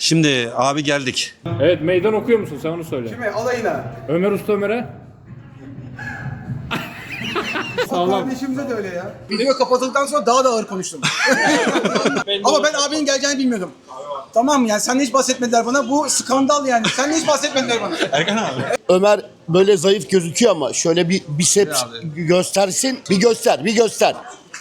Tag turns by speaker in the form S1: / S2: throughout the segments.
S1: Şimdi abi geldik.
S2: Evet, meydan okuyor musun? Sen onu söyle.
S3: Kime? Alayına.
S2: Ömer Usta Ömer'e. Sağlam.
S3: Kardeşimize de öyle ya. Video kapatıldıktan sonra daha da ağır konuştum. Ama ben abinin geleceğini bilmiyordum. Tamam mı? Yani sen hiç bahsetmediler bana. Bu skandal yani. Sen hiç bahsetmediler bana.
S1: Erkan abi.
S4: Ömer böyle zayıf gözüküyor ama şöyle bir biceps göstersin. Bir göster.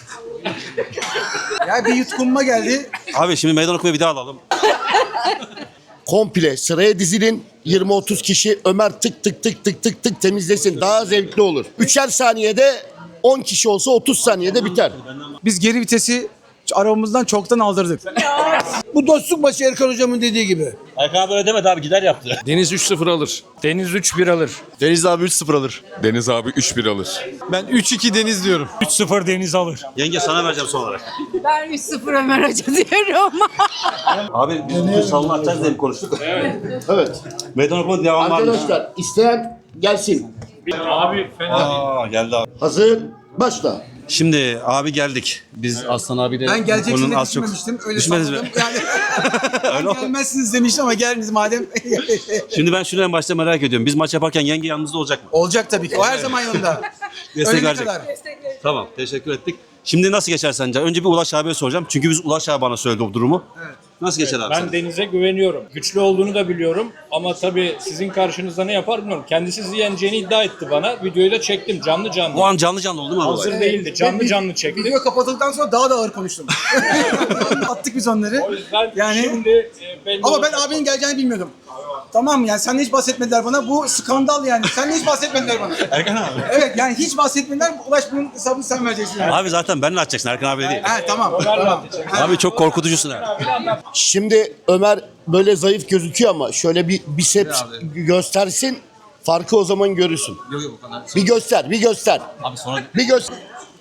S3: Ya bir yutkunma geldi.
S1: Abi şimdi meydan okumayı bir daha alalım.
S4: Komple sıraya dizilin. 20-30 kişi Ömer tık tık temizlesin. Daha zevkli olur. 3'er saniyede 10 kişi olsa 30 saniyede biter.
S3: Biz geri vitesi arabamızdan çoktan aldırdık.
S5: Bu dostluk başı Erkan hocamın dediği gibi.
S1: Erkan abi öyle demedi abi, gider yaptı.
S2: Deniz 3-0 alır. Deniz 3-1 alır.
S6: Deniz abi 3-0 alır. Deniz abi 3-1 alır.
S7: Ben 3-2 Deniz diyorum.
S2: 3-0 Deniz alır.
S1: Yenge sana vereceğim son olarak.
S8: Ben 3-0 Ömer Hoca diyorum.
S1: Abi biz bugün salonu açacağız diye mi konuştuk?
S4: Evet.
S1: Meydan okuma devam var mı?
S4: Arkadaşlar isteyen gelsin.
S2: Abi fena.
S1: Aa geldi abi.
S4: Hazır. Başla.
S1: Şimdi abi geldik. Biz Aslan abi de
S3: Ben geleceksiniz
S1: onun
S3: de
S1: az çok
S3: düşünmemiştim. Öyle
S1: düşünmediniz mi?
S3: salladım. Yani ben gelmezsiniz demiştim ama geldiniz madem.
S1: Şimdi ben şunu en başta merak ediyorum. Biz maç yaparken yenge yanımızda olacak mı?
S3: Olacak tabii ki. O her zaman yanında.
S1: Destek
S3: Ölene
S1: verecek.
S3: kadar.
S1: Tamam, teşekkür ettik. Şimdi nasıl geçer sence? Önce bir Ulaş abiye soracağım. Çünkü biz Ulaş abi bana söyledi o durumu. Evet. Nasıl geçer abi?
S2: Ben Deniz'e güveniyorum. Güçlü olduğunu da biliyorum. Ama tabii sizin karşınızda ne yapar bilmiyorum. Kendisi sizi yeneceğini iddia etti bana. Videoyu da çektim canlı.
S1: O an canlı oldu değil mi abi?
S2: Hazır değildi. Canlı çektim.
S3: Video kapatıldıktan sonra daha da ağır konuştum. Attık biz onları.
S2: O yüzden
S3: Yani-
S2: şimdi belli
S3: Ama ben
S2: olacak.
S3: abinin geleceğini bilmiyordum. Tamam mı? Yani sen hiç bahsetmediler bana. Bu skandal yani. Sen hiç bahsetmediler bana.
S1: Erkan abi.
S3: Evet yani hiç bahsetmediler. Ulaş bunun hesabını sen vereceksin. Yani.
S1: Abi zaten benle atacaksın, Erkan abi değil.
S3: He tamam.
S2: Ömer'le
S1: Abi çok korkutucusun abi.
S4: Şimdi Ömer böyle zayıf gözüküyor ama şöyle bir biceps göstersin. Farkı o zaman görürsün.
S1: Yok o kadar.
S4: Bir göster.
S1: Abi sonra...
S4: Bir göster.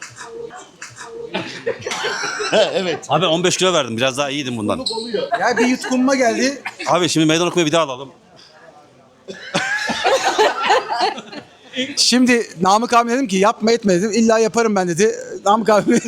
S4: Evet.
S1: Abi 15 kilo verdim. Biraz daha iyiydim bundan.
S3: Ya bir yutkunma geldi.
S1: Abi şimdi meydan okumayı bir daha alalım.
S3: Şimdi Namık abi dedim ki yapma etme dedim. İlla yaparım ben dedi. Namık abi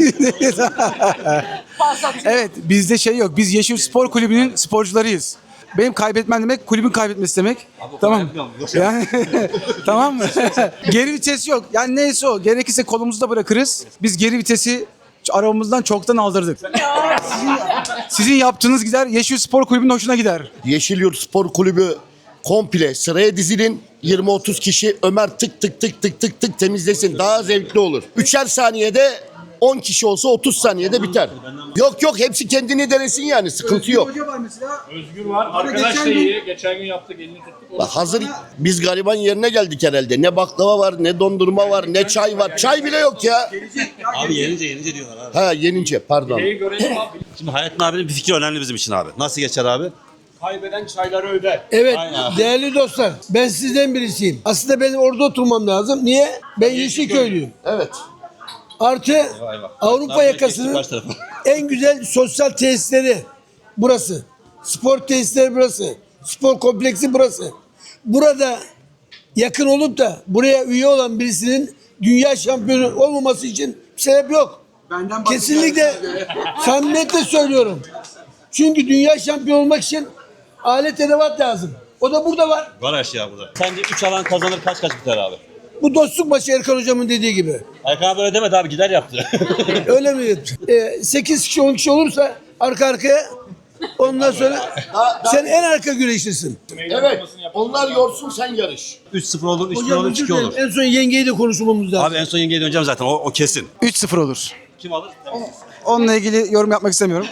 S3: evet bizde şey yok. Biz Yeşil Spor Kulübü'nün sporcularıyız. Benim kaybetmem demek kulübün kaybetmesi demek. Tamam. Yani tamam mı? Geri vites yok. Yani neyse o. Gerekirse kolumuzda bırakırız. Biz geri vitesi arabamızdan çoktan aldırdık. Sizin yaptığınız gider Yeşil Spor Kulübü'nün hoşuna gider.
S4: Yeşilyurt Spor Kulübü komple sıraya dizilin. 20-30 kişi Ömer tık temizlesin. Daha zevkli olur. 3'er saniyede 10 kişi olsa 30 saniyede biter. Yok hepsi kendini denesin yani. Sıkıntı yok.
S3: Hoca var mesela.
S2: Özgür var. Arkadaş da iyi. Geçen gün yaptık. Elini tuttuk.
S4: Bak hazır biz gariban yerine geldik herhalde. Ne baklava var, ne dondurma var, ne çay var. Çay bile yok ya.
S1: Abi yenince diyorlar abi.
S4: Ha yenince pardon.
S2: Şeyi görelim abi.
S1: Şimdi Hayrettin abinin bir fikri önemli bizim için abi. Nasıl geçer abi?
S2: Kaybeden çayları öder.
S5: Evet
S1: Aynen.
S5: değerli dostlar ben sizden birisiyim. Aslında benim orada oturmam lazım. Niye? Ben Yeşilköylüyüm.
S4: Evet.
S5: Artı Avrupa yakasının
S1: Kaç tarafa?
S5: en güzel sosyal tesisleri burası. Spor tesisleri burası. Spor kompleksi burası. Burada yakın olup da buraya üye olan birisinin dünya şampiyonu olmaması için bir sebep yok.
S3: Benden
S5: Kesinlikle samimiyetle söylüyorum. Çünkü dünya şampiyonu olmak için alet edevat lazım. O da burada var.
S1: Var her şey abi burada. Sence 3 alan kazanır kaç biter abi?
S5: Bu dostluk başı Erkan hocamın dediği gibi.
S1: Erkan abi öyle demedi abi, gider yaptı.
S5: Öyle mi? 8 kişi 10 kişi olursa arka arkaya ondan sonra sen en arka güreşlisin.
S4: Evet. Onlar yorsun sen yarış.
S1: 3-0 olur, 3-1
S5: Hocam
S1: olur,
S5: özür
S1: 2 olur.
S5: dilerim. En son yengeyi de konuşmamız lazım.
S1: Abi en son yengeye döneceğim zaten, o kesin.
S3: 3-0 olur.
S1: Kim alır?
S3: Onunla ilgili yorum yapmak istemiyorum.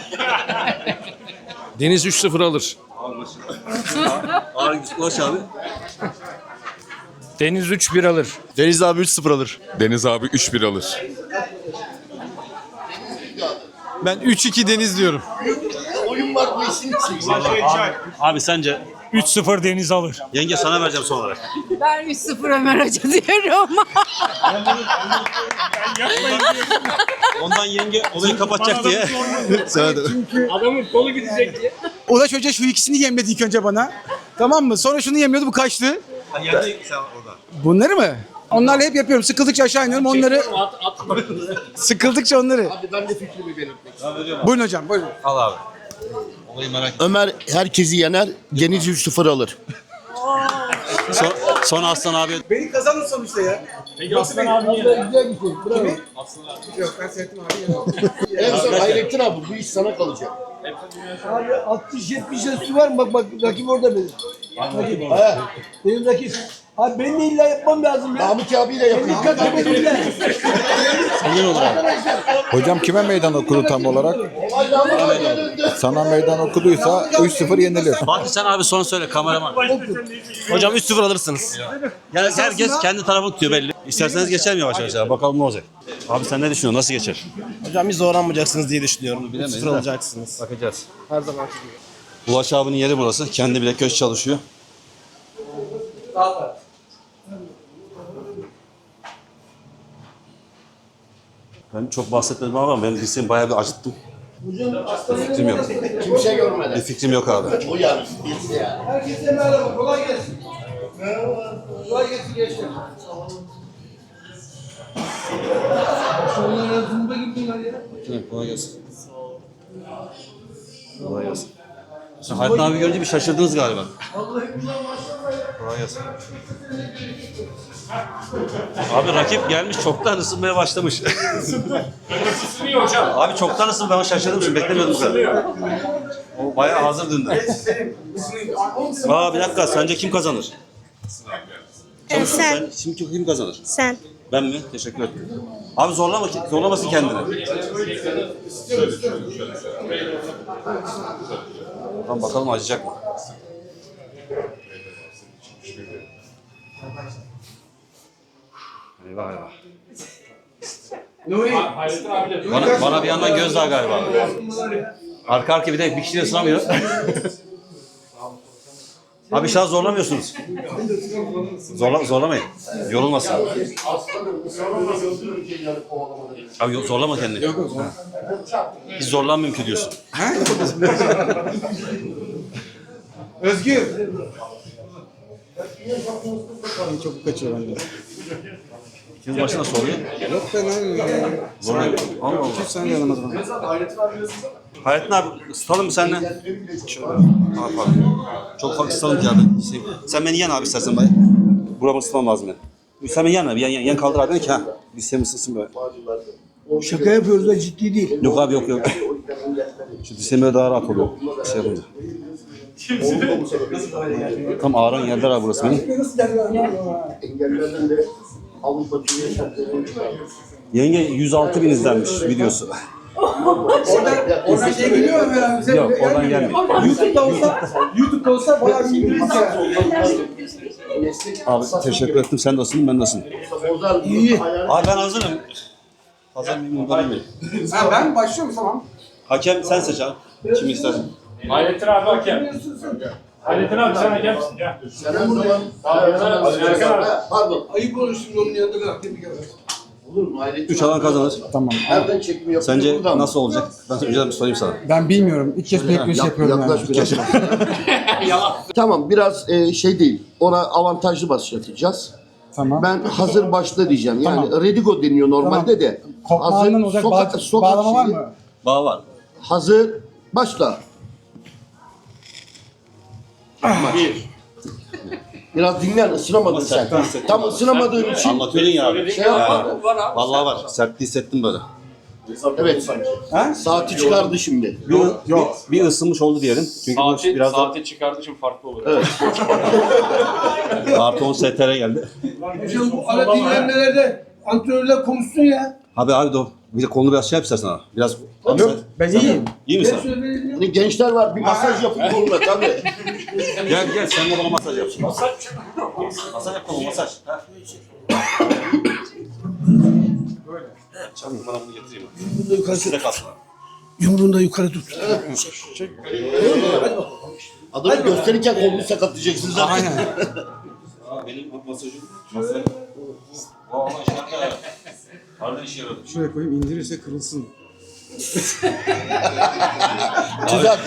S7: Deniz 3-0 alır.
S1: Ağır Ulaş abi.
S2: Deniz 3-1 alır.
S6: Deniz abi 3-0 alır. Deniz abi 3-1 alır.
S7: Ben 3-2 Deniz diyorum.
S4: Oyun var bu işin içinde.
S1: Abi sence?
S2: 3-0 Deniz alır.
S1: Yenge sana vereceğim son olarak.
S8: Ben 3-0 Ömer Hoca diyorum.
S1: Ondan yenge olayı kapatacak diye.
S2: Adamın kolu gidecek diye.
S3: Ulaş Hoca şu ikisini yemledi ilk önce bana. Tamam mı? Sonra şunu yemiyordu, bu kaçtı.
S1: Yendi sen orada.
S3: Bunları mı? Onlarla hep yapıyorum. Sıkıldıkça aşağı iniyorum. Onları sıkıldıkça onları.
S4: Hadi ben de fikrimi belirtmek istiyorum.
S3: Buyurun hocam, buyurun.
S1: Al abi.
S4: Ömer herkesi yener. Denizli 3-0 alır.
S1: Son Aslan abi.
S3: Beni kazanır sonuçta ya.
S2: Peki Aslan abi
S5: Güzel bir şey. Bravo.
S3: Yok ben seyrettim abi.
S4: En son Hayrettin abi bu iş sana kalacak.
S5: Abi 60-70 yaş üstü var mı? Bak rakip orada benim. Rakip. Benim rakip. Abi ben de illa yapmam lazım ya.
S4: Namık abiyle yapın.
S5: Dikkat edin.
S9: Hocam kime meydan okudu tam olarak? Sana meydan okuduysa 3-0 yenilir.
S1: Fatih sen abi son söyle kameraman.
S7: Hocam 3-0 alırsınız.
S1: Yani herkes kendi tarafını tutuyor belli. İsterseniz geçer mi yavaş yavaş? Bakalım ne olacak. Abi sen ne düşünüyorsun? Nasıl geçer?
S7: Hocam hiç zorlanmayacaksınız diye düşünüyorum.
S1: bilemeyiz
S7: 3-0
S1: de.
S7: alacaksınız.
S1: Bakacağız.
S7: Her zaman gibi.
S1: Ulaş abinin yeri burası. Kendi bile köşe çalışıyor. Ben çok bahsetmedim ama ben liseyi bayağı bir acıttım. Bir fikrim yok.
S4: Kimse görmedi.
S1: Bir fikrim yok abi.
S4: O yani. Birisi yani.
S5: Herkese merhaba. Kolay gelsin. Kolay gelsin gençler. Sonra zımba gibi bunlar ya.
S1: Kolay gelsin. Kolay gelsin. Sen Hayrettin abi görünce bir şaşırdınız galiba. Kolay gelsin. Abi rakip gelmiş çoktan ısınmaya başlamış.
S2: ısınıyor hocam.
S1: Abi çoktan ısınmaya şaşırdım şimdi beklemiyordum kadar. O bayağı hazır döndü. Aa bir dakika sence kim kazanır?
S10: Sen.
S1: Şimdi kim kazanır?
S10: Sen.
S1: Ben mi? Teşekkür ederim. Abi zorlamasın kendini. Tamam bakalım acıyacak mı? Eyvah eyvah.
S2: Hayrettin abi de
S1: Bana bir yandan gözdağı galiba. Arka arka bir de bir kişiyle ısınamıyor. Abi inşallah zorlamıyorsunuz. Zorlamayın. Yorulmasın. Abi zorlama kendini. Yok. Hiç zorlanmıyorum ki diyorsun.
S3: Özgür.
S9: Çok kaçıyor bende.
S1: İkiniz başına soruyor.
S9: Yok ben abi.
S1: Zorluyor. Allah Allah.
S9: Sen de yalamaz bana.
S1: Hayrettin abi ısıtalım mı seninle? Ne yapalım? Çok farklı ısıtalım ki abi. Sen beni yen abi istersen bay. Buramı ısıtmam lazım yani. Sen beni yen abi. Yan kaldır abi ki ha. Lisem ısıtsın böyle.
S5: Şaka yapıyoruz da ciddi değil.
S1: Yok abi yok. Şu lisem böyle daha rahat oluyor. Şey yapınca. Tam ağrın yerler abi burası benim.
S4: Engellerden de Avrupa Dünya Şampiyonu çıkardı.
S1: Yenge 106.000 izlenmiş videosu.
S3: Oradan şey geliyor mu Ömer abi?
S1: Yok oradan gelmiyor.
S3: YouTube'da olsa bayağı bir biliriz ya.
S1: Abi teşekkür ettim. Sen de ısındın ben de ısındım.
S4: İyi.
S1: Abi ben hazırım. Hazır mıyım? Bundan eminim.
S3: Ha, ben başlıyorum tamam.
S1: Hakem sen seç abi. Kimi istersen.
S2: Hayrettin abi hakem. Hayrettin abi sen hakemsin ya.
S4: Sen her zaman pardon.
S5: Ayıp olur şimdi onun yanında da tebrik ederim.
S4: Olur mu? Hayrettin
S1: 3 alan kazanır.
S9: Tamam.
S4: Nereden çekim yapıyor?
S1: Sence
S4: Buradan mı?
S1: nasıl olacak? Ben önceden bir sorayım sana.
S9: Ben bilmiyorum. İlk kez bilek güreşi yapıyorum yani.
S4: Yaklaş biraz. Tamam biraz şey değil. Ona avantajlı başlatacağız.
S9: Tamam.
S4: Ben hazır başla diyeceğim. Yani
S9: Tamam.
S4: Redigo deniyor normalde de.
S9: Kopmağından olacak bağlama var
S4: şeyi.
S9: mı?
S1: Bağ var.
S4: Hazır başla. Biraz dinlen, ısınamadın sen.
S1: sertliği hissettim
S4: Tam
S1: abi.
S4: ısınamadığın için
S1: Anlatıyordun ya abi.
S4: şey yapma.
S1: Vallahi var. Sertliği hissettim böyle.
S4: Evet. Saati çıkardı şimdi.
S1: Bir ısınmış oldu diyelim. Çünkü bu biraz da
S2: saati çıkardığı için farklı olur.
S4: Evet.
S1: artı 10 STR geldi.
S5: Hocam bu ara dinlenmelerde antrenörler konuşsun ya.
S1: Abi bir de kolunu biraz şey yap istersen abi. Biraz
S3: Yok ben iyiyim.
S1: İyi misin?
S4: Hani gençler var bir masaj yapın koluna tabii.
S1: Gel sen de bana masaj yap. Masaj yap koluna masaj. Ha. Çabuk bana bunu getireyim. Size kalsın.
S5: Yumruğunu da yukarı tut.
S4: Adamı gösterirken kolunu sakatlayacaksın zaten.
S3: Aynen.
S1: Benim masajım. Masaj. Valla şaka. Harbiden işe yaradı.
S9: Şuraya koyayım indirirse kırılsın.
S4: Güzel.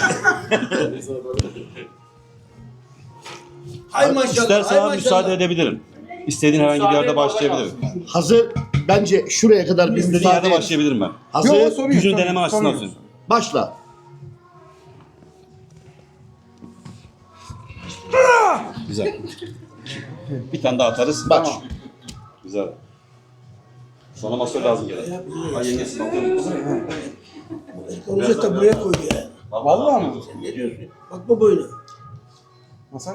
S5: Ay maşallah.
S1: İstersen
S5: ay
S1: abi
S5: maşallah.
S1: müsaade edebilirim. İstediğin herhangi bir yerde başlayabilirim.
S4: Hazır. Bence şuraya kadar bir
S1: İstediğin
S4: müsaade
S1: yerde
S4: et.
S1: başlayabilirim ben.
S4: Hazır.
S9: Yok, sorun yok,
S1: Gücünü
S9: sorun
S1: deneme
S9: yok,
S1: açısından
S9: sorun yok.
S1: söyleyeyim.
S4: Başla.
S1: Güzel. Bir tane daha atarız.
S4: Bak.
S1: Tamam. Güzel. Sonra masör lazım gene. Ay yengesi bakıyorum.
S5: Hoca da buraya koydu ya.
S3: Vallahi mı?
S5: Ne diyorsun? Bakma boyuna.
S3: Masaj.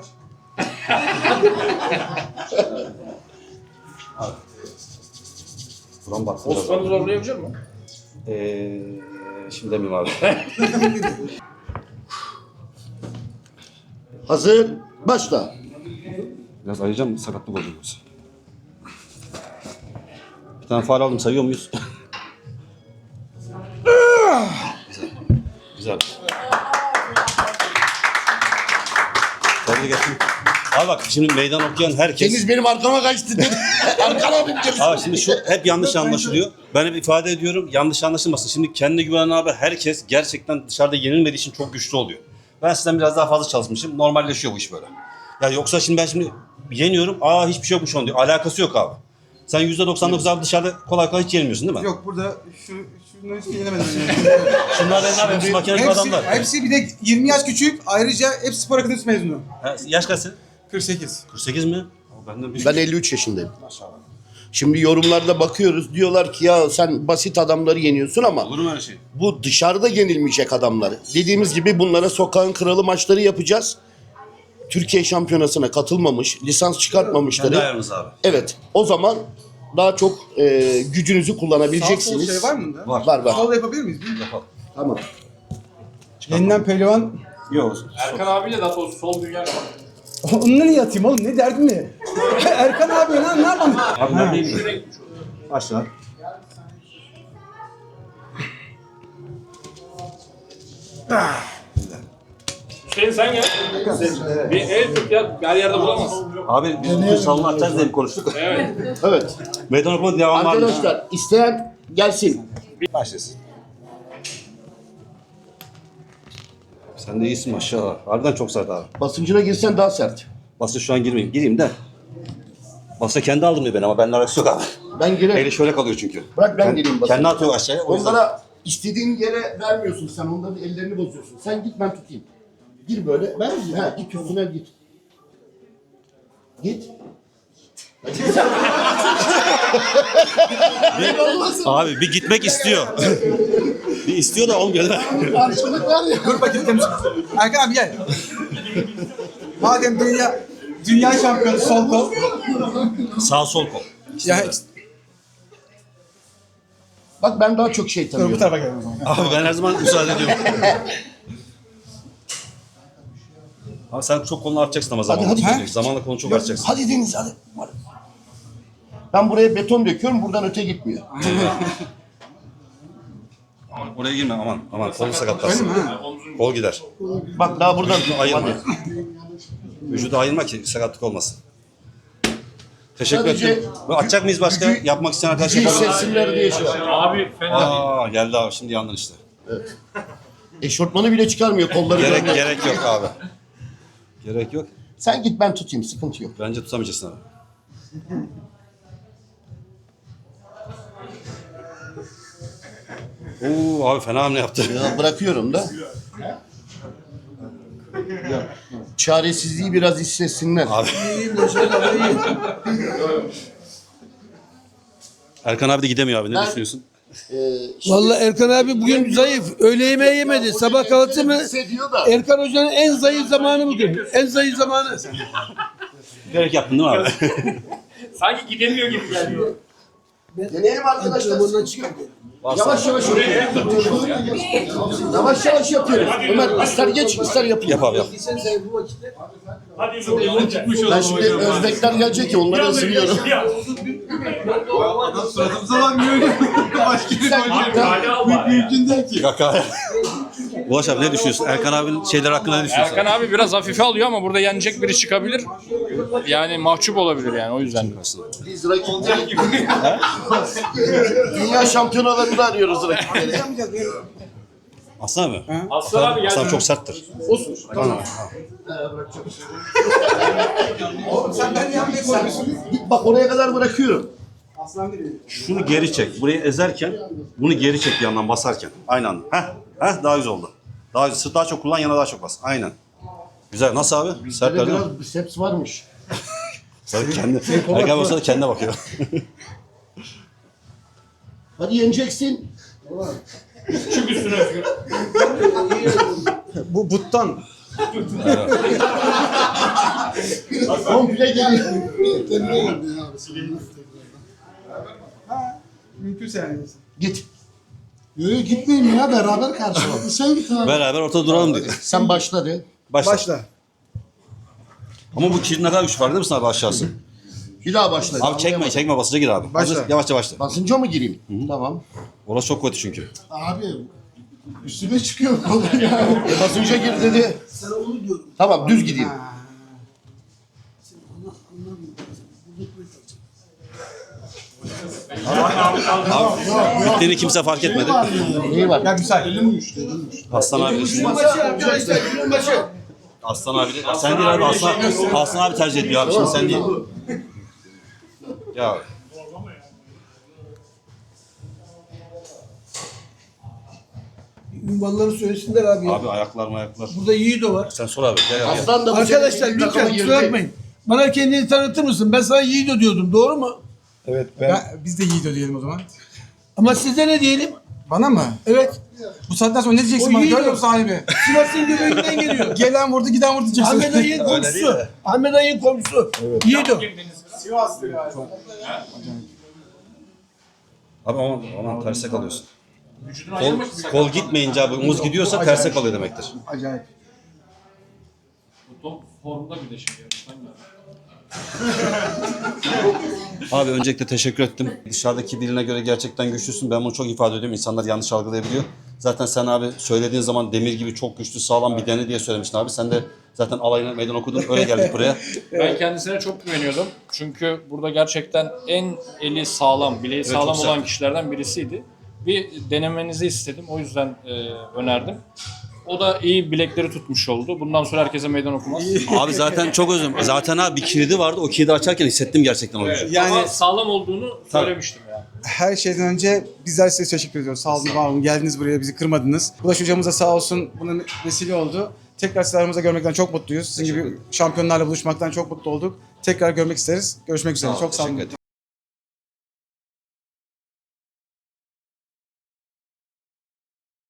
S1: Buram baksın.
S2: Osman'ı zorlayabilir mi?
S1: Şimdi demeyeyim abi.
S4: Hazır. Başla.
S1: Biraz ayıracağım, sakatlık oluyor yoksa. Bir tane faul aldım, sayıyor muyuz? Güzel. Güzel. Tebrik ettim. Abi bak şimdi meydan okuyan herkes...
S4: Deniz benim arkama kaçtı dedi. Arkana abi
S1: Abi şimdi şu hep yanlış anlaşılıyor. Ben hep ifade ediyorum, yanlış anlaşılmasın. Şimdi kendine güvenen abi herkes gerçekten dışarıda yenilmediği için çok güçlü oluyor. Ben sizden biraz daha fazla çalışmışım. Normalleşiyor bu iş böyle. Ya yoksa şimdi ben şimdi yeniyorum. Hiçbir şey yokmuş onun diyor. Alakası yok abi. Sen %99 abi dışarıda kolay kolay hiç yenilmiyorsun değil mi?
S3: Yok burada şunları hiç yenemedim.
S1: Şunlar da ne yapayım? Makine gibi adamlar.
S3: Hepsi bir de 20 yaş küçük. Ayrıca hepsi spor akademisi mezunu.
S1: Ha, yaş kaçsın?
S3: 48.
S1: 48 mi? Benden bir
S4: Ben 53 yaşındayım. Şimdi yorumlarda bakıyoruz. Diyorlar ki ya sen basit adamları yeniyorsun ama
S1: Olur mu öyle şey?
S4: bu dışarıda yenilmeyecek adamları. Dediğimiz gibi bunlara sokağın kralı maçları yapacağız. Türkiye şampiyonasına katılmamış, lisans
S1: Kendi
S4: çıkartmamışları.
S1: ayarınız abi.
S4: Evet. O zaman daha çok gücünüzü kullanabileceksiniz.
S3: Sağ sol şey var mı bunda?
S1: Var.
S4: Var.
S3: Sol yapabilir miyiz?
S1: Yapalım.
S4: Tamam.
S3: Yeniden pehlivan.
S1: Yok.
S2: Erkan abiyle daha doğrusu sol dünya var.
S3: Onunla niye atayım oğlum? Ne derdin ne? Erkan abi lan ne yapalım?
S1: Abi neredeyim? Aşağı.
S2: Hüseyin sen gel. Bir el tut ya. Her yerde bulamazsın.
S1: Abi biz bugün salonu açacağız diye mi konuştuk?
S2: Evet.
S4: Evet.
S1: Meydan okuma devam var mı?
S4: Arkadaşlar isteyen gelsin.
S1: Başlasın. Sen de iyisin maşallah. Harbiden çok sert abi.
S4: Basıncına girsen daha sert.
S1: Basın şu an girmeyeyim. Gireyim de. Basın kendi aldım diyor ben ama benimle alakası yok abi.
S4: Ben girerim.
S1: Eli şöyle kalıyor çünkü.
S4: Bırak ben gireyim basın.
S1: Kendi atıyor aşağıya. O yüzden.
S4: Onlara istediğin yere vermiyorsun sen. Onların ellerini bozuyorsun. Sen git ben tutayım. Gir böyle. Ben git üstüne git. Git.
S1: Abi bir gitmek istiyor. Bir istiyor da olmuyor değil mi?
S4: Karşılık var ya.
S3: Dur bakayım temiz. Erkan abi gel. Madem dünya şampiyonu sol kol.
S1: Sağ sol kol.
S3: Ya
S4: Bak ben daha çok şey
S3: dur bu
S4: tanıyorum.
S3: tarafa gel o zaman.
S1: Abi ben her zaman müsaade ediyorum. Abi sen çok kolunu artacaksın ama zamanla.
S4: hadi.
S1: Zamanla kolunu çok artacaksın.
S4: Hadi Deniz hadi. Ben buraya beton döküyorum. Buradan öte gitmiyor.
S1: Oraya girme aman kolu sakatlarsın. Kol gider.
S4: Bak daha buradan
S1: Ayırma. Vücudu ayırma ki sakatlık olmasın. Teşekkür
S4: Sadece
S1: ederim. Açacak mıyız başka? Yapmak isteyen arkadaşlar
S4: gücü
S1: yapalım.
S4: hissetsinler diye şey var.
S2: Abi fena.
S1: Geldi abi şimdi yandın işte.
S4: Eşortmanı bile çıkarmıyor kolları. görmüyor.
S1: Gerek yok abi. Gerek yok.
S4: Sen git ben tutayım. Sıkıntı yok.
S1: Bence tutamayacaksın abi. Abi fena hamle yaptı.
S4: Ya bırakıyorum da. Çaresizliği biraz hissetsinler.
S1: Abi. Erkan abi de gidemiyor abi. Ne düşünüyorsun?
S5: Vallahi Erkan abi bugün zayıf. Öğle yemeği yemedi. Sabah kahvaltı mı?
S4: Hissediyor da.
S5: Erkan Hoca'nın en zayıf zamanı bugün. En zayıf zamanı.
S1: Gerek yaptın değil mi abi?
S2: Sanki gidemiyor gibi geliyor.
S4: Deneyelim arkadaşlar.
S5: Antrenmandan çıkardı.
S4: Yavaş yavaş yapıyoruz. Yavaş yavaş yapıyoruz. Ömer ister geç ister yapayım.
S1: Yap abi yap.
S5: Sen zayıf bu vakitte.
S2: Hadi yolun çıkmış
S4: Ben şimdi Özbekler gelecek ki onları ısırıyorum.
S3: Suratımıza bakmıyor. Başka bir mümkün değil ki.
S1: Kaka. Ulaş abi ne düşünüyorsun? Erkan abinin şeyler hakkında ne düşünüyorsun?
S2: Erkan abi biraz hafife alıyor ama burada yenecek biri çıkabilir. Yani mahcup olabilir yani o yüzden.
S4: Biz rakipleri dünya şampiyonalarında arıyoruz rakipleri.
S1: Aslan mı?
S2: Aslan abi geldi.
S1: Aslan çok serttir.
S3: Sen ben yapmaya koyuyorsun.
S4: Git bak oraya kadar bırakıyorum.
S3: Aslan değil.
S1: Şunu geri çek. Burayı ezerken bunu geri çek bir yandan basarken. Aynı anda. Heh daha güzel oldu. Daha çok kullan yana daha çok bas. Aynen. Güzel. Nasıl abi? Sertler değil mi?
S4: Biraz biceps varmış.
S1: Tabii kendi. Erken olsa da kendine bakıyor.
S4: Hadi yeneceksin.
S3: Bu buttan.
S4: Komple gel.
S3: Mümkünse yani.
S4: Git.
S5: Yok gitmeyin ya beraber karşılaştık. Sen git abi.
S1: Beraber ortada duralım diyor.
S4: Sen başla de.
S1: Başla. Ama bu kilidin ne kadar güç var değil misin abi aşağısı?
S4: Bir daha başla.
S1: Abi çekme basınca gir abi.
S3: Başla.
S1: Hazır, yavaşça başla.
S4: Basınca mı gireyim? Tamam.
S1: Orası çok kötü çünkü.
S5: Abi üstüme çıkıyor falan ya.
S4: Basınca gir dedi.
S5: Sana onu diyorum.
S4: Tamam düz gideyim.
S1: Bittiğini kimse fark etmedi.
S4: Neyi var?
S3: Ya güzel.
S1: Aslan abi de şimdi.
S5: Arkadaşlar günün başı.
S1: Aslan abi de. Sen değil abi. Aslan abi tercih ediyor abi. Şimdi sen değil. Ya
S5: Ünvanları söylesinler abi ya.
S1: abi ayaklar.
S5: Burada Yiğido var.
S1: Sen sor abi. Gel abi.
S4: Aslan da bu
S5: Arkadaşlar
S4: sene takıma
S5: lütfen
S4: girdi.
S5: kusura bakmayın. Bana kendini tanıtır mısın? Ben sana Yiğido diyordum. Doğru mu?
S9: Evet
S3: Biz de Yiğido diyelim o zaman.
S5: Ama size ne diyelim?
S3: Bana mı?
S5: Evet.
S3: Bu saatten sonra ne diyeceksin
S5: O
S3: bana?
S5: Yiğido.
S3: Görmüyor musun sahibi?
S5: Sivas'ın göbeğinden geliyor.
S3: Gelen vurdu, giden vurdu diyeceksin.
S5: Ahmet Ay'ın komşusu. Ahmet Ay'ın komşusu. Yiğido.
S1: Abi aman terse kalıyorsun. Kol gitmeyince abi omuz gidiyorsa terse kalıyor demektir.
S3: Acayip.
S2: Top formda bir de şimdi yarıştan geldi.
S1: Abi öncelikle teşekkür ettim. Dışarıdaki birine göre gerçekten güçlüsün. Ben bunu çok ifade ediyorum. İnsanlar yanlış algılayabiliyor. Zaten sen abi söylediğin zaman demir gibi çok güçlü, sağlam bir dene diye söylemiştin abi. Sen de zaten alayına meydan okudun. Öyle geldik buraya.
S2: Ben kendisine çok güveniyordum. Çünkü burada gerçekten en eli sağlam, bileği
S1: çok
S2: sağlam
S1: sert.
S2: olan kişilerden birisiydi. Bir denemenizi istedim. O yüzden önerdim. O da iyi bilekleri tutmuş oldu. Bundan sonra herkese meydan okumaz.
S1: Abi zaten çok özüm. Zaten abi bir kilidi vardı. O kilidi açarken hissettim gerçekten o gücü.
S3: Yani
S2: Ama sağlam olduğunu söylemiştim yani.
S3: her şeyden önce bizler size teşekkür ediyoruz. Sağ olun, var olun. Geldiniz buraya, bizi kırmadınız. Ulaş hocamız da sağ olsun buna vesile oldu. Tekrar sizi aramızda görmekten çok mutluyuz. Sizin gibi şampiyonlarla buluşmaktan çok mutlu olduk. Tekrar görmek isteriz. Görüşmek üzere. Çok sağ olun.
S1: Teşekkür ederim.